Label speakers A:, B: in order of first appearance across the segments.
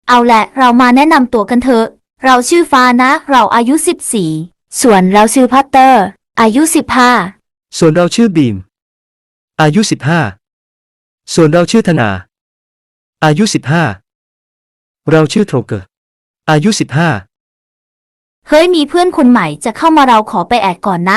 A: เอาแหละเรามาแนะนำตัวกันเถอะเราชื่อฟ้านะเราอายุ14ส่วนเราชื่อพัตเตอร์อายุ15
B: ส่วนเราชื่อบีมอายุ15ส่วนเราชื่อธนาอายุ15เราชื่อโทรเกอร์อายุ15
A: เฮ้ยมีเพื่อนคนใหม่จะเข้ามาเราขอไปแอดก่อนนะ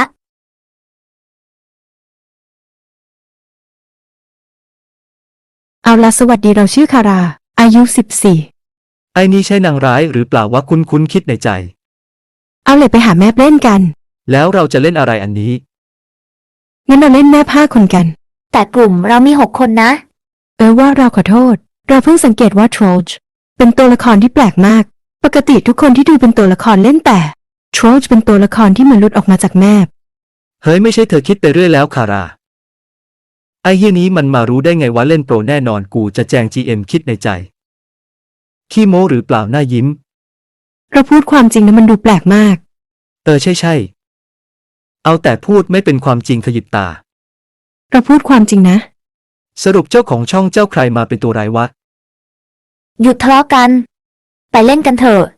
C: เอาละสวัสดีเราชื่อคาราอายุ14
B: ไอ้นี่ใช่นางร้ายหรือเปล่าวะคุ้นคิดในใจ
C: เอาเลยไปหาแม่เล่นกัน
B: แล้วเราจะเล่นอะไรอันนี้
C: งั้นเราเล่นแม่5 คนกัน
A: แต่กลุ่มเรามี6 คนนะ
C: ว่าเราขอโทษเราเพิ่งสังเกตว่าโทรจเป็นตัวละครที่แปลกมากปกติทุกคนที่ดูเป็นตัวละครเล่นแต่โทรจเป็นตัวละครที่มันหลุดออกมาจากแม่
B: เฮ้ยไม่ใช่เธอคิดไปเรื่อยแล้วคาราไอ้เหี้ยนี้มันมารู้ได้ไงว่าเล่นโปรแน่นอนกูจะแจง GM คิดในใจขี้โม้หรือเปล่าหน้ายิ้ม
C: เราพูดความจริงนะมันดูแปลกมาก
B: ใช่เอาแต่พูดไม่เป็นความจริงขยิบตา
C: เราพูดความจริงนะ
B: สรุปเจ้าของช่องเจ้าใครมาเป็นตัวร้ายวะ
A: หยุดทะเลาะกันไปเล่นกันเถอะ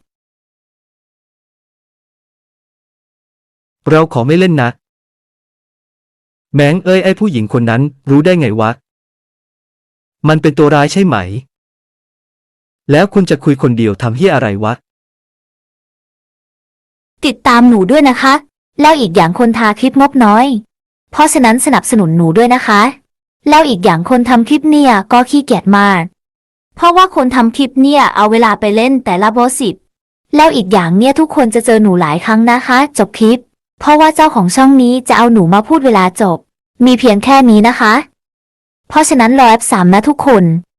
B: เราขอไม่เล่นนะแม้งไอ้ผู้หญิงคนนั้นรู้ได้ไงวะมันเป็นตัวร้ายใช่ไหมแล้วคุณจะคุยคนเดียวทำเหี้ยอะไรวะ
A: ติดตามหนูด้วยนะคะแล้วอีกอย่างคนทาคลิปงบน้อยเพราะฉะนั้นสนับสนุนหนูด้วยนะคะแล้วอีกอย่างคนทำคลิปเนี่ยก็ขี้เกียจมากเพราะว่าคนทำคลิปเนี่ยเอาเวลาไปเล่นแต่ละบอส10แล้วอีกอย่างเนี่ยทุกคนจะเจอหนูหลายครั้งนะคะจบคลิปเพราะว่าเจ้าของช่องนี้จะเอาหนูมาพูดเวลาจบมีเพียงแค่นี้นะคะเพราะฉะนั้นรอแอป3นะทุกคน